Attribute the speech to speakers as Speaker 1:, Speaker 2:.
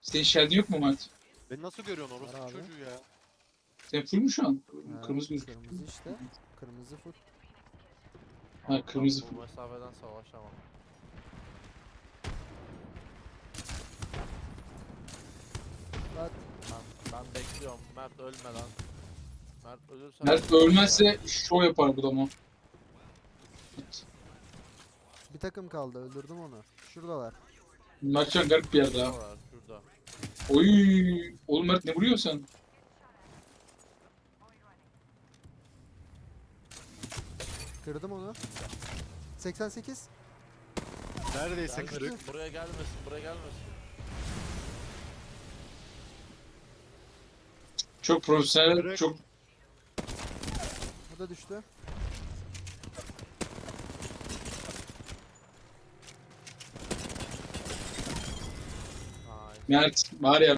Speaker 1: Senin şerdin yok mu Mert?
Speaker 2: Beni nasıl görüyorsun
Speaker 3: Var
Speaker 2: orospu
Speaker 3: abi.
Speaker 2: çocuğu ya?
Speaker 1: Sen full mu şu an?
Speaker 3: Ha,
Speaker 1: Kırmızı gözüküyor.
Speaker 3: kırmızı işte. Kırmızı full.
Speaker 1: Ha,
Speaker 4: Ama
Speaker 1: kırmızı
Speaker 4: ben bu mesafeden savaşamam.
Speaker 3: Bak
Speaker 4: Ben bekliyorum. Mert ölme lan. Mert ölürse...
Speaker 1: Mert ölmezse şov yapar bu da ama.
Speaker 3: bir takım kaldı, öldürdüm onu. Şuradalar.
Speaker 1: Mert şu an garip bir yerde ha.
Speaker 4: Şurada var, şurada.
Speaker 1: Oy, oğlum Mert ne vuruyorsun sen?
Speaker 3: Kırdım onu. 88.
Speaker 2: Neredeyse
Speaker 4: Gelmesin,
Speaker 2: kırık.
Speaker 4: buraya gelmesin, buraya gelmesin.
Speaker 1: Çok profesyonel,
Speaker 2: Kırık.
Speaker 1: çok
Speaker 3: Bu da düştü.
Speaker 4: Ay.
Speaker 1: Mert var ya